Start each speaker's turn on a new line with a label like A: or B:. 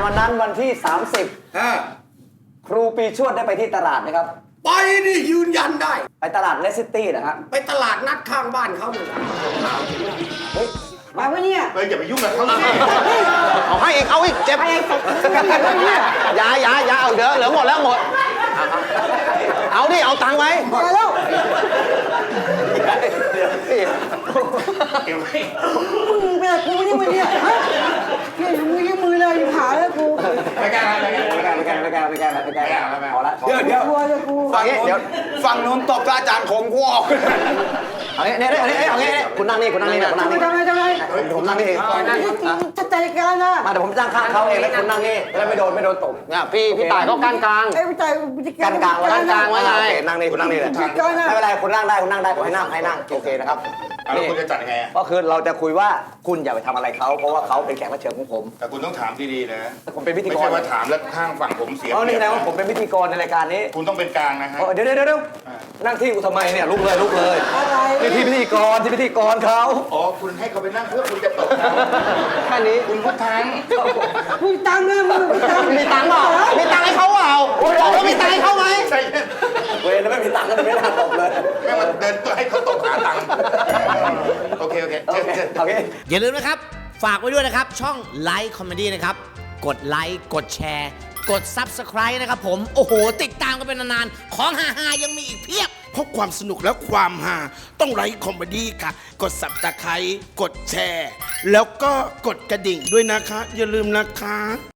A: วันนั้นวันที่ 30ครูปีชวดได้ไปที่ตลาดไหมครับ
B: ไปนี่ยืนยันได้
A: ไปตลาดเลสซิตี้นะฮะ
B: ไปตลาดนัดข้างบ้านเขาเนี่ย
C: มาวะเนี่ย
D: อย่าไปยุ่งกับเขาสิ
A: เอาให้อีกเอาอีกเจ็บอย่าเอาเหลือหมดแล้วหมดเอาดิเอาตังค์ไว้
C: มาแล้วมึงเป็นกูนี่มึงเนี่ยฮะเนี่ยอยู่มือเลยอยู่ขาแล้วกู
D: ไม่แก้
A: พอละ
D: เดี๋ยวฝั่งนู้นตบอาจารย์ผมกูออก
A: เอางี้คุณนั่งนี่ทำไมผมนั่งนี่เอง
C: จะใจกันนะ
A: มาเดี๋ยวผมจ้างข้างเขาเองแล้วคุณนั่งนี่แล้วไม่โดนตบเนี่ยพี่ต่ายเขากั้นกลาง
C: ไอ้พี่ใจ
A: กั้นกลางไว้ไงนั่งนี่คุณนั่งนี่เลยไม่เป็นไรคุณนั่งได้ขอให้นั่งโอเคนะครับ
D: แล้วคุณจะจัดยังไง
A: ก็คือเราจะคุยว่าคุณอย่าไปทำอะไรเขาเพราะว่าเขาเป็นแขกรับเชิญของผม
D: แต่คุณต้องถามดีๆนะ
A: ผมเป็นพิธีกร
D: ไม่ใช่ว่าถามแล้วข้างฝั่งผมเสีย
A: นี่นะว่าผมเป็นพิธีกรในรายการนี้
D: คุณต้องเป็นกลางนะฮะ
A: เดี๋ยวนั่งที่กูทำไมเนี่ยลุกเลยนี่พี่พิธีกรเขา
D: อ๋อคุณให้เขาไปนั่งเพื่อคุณจะตกเขา
A: แค่นี้
D: คุณพูดทั้ง
C: มีตังค์นะมึง
A: มีตังค์เปล่ามีตังค์ให้เขาเปล่าบอกว่ามีตังค์ให้เขาไหม
D: ใช่
A: เว้ยไม่มีตังค์ก็ไม่น่าตบเลย
D: แม่มาเดินให้เขาตกหาตังค์โอเค
E: อย่าลืมนะครับฝากไว้ด้วยนะครับช่องไลค์คอมเมดี้นะครับกดไลค์กดแชร์กด Subscribe นะครับผมโอ้โหติดตามกันเป็นนานๆของฮาๆยังมีอีกเพียบ
F: เพราะความสนุกและความฮาต้องไลค์คอมเมดี้ค่ะกด Subscribe กดแชร์แล้วก็กดกระดิ่งด้วยนะคะอย่าลืมนะคะ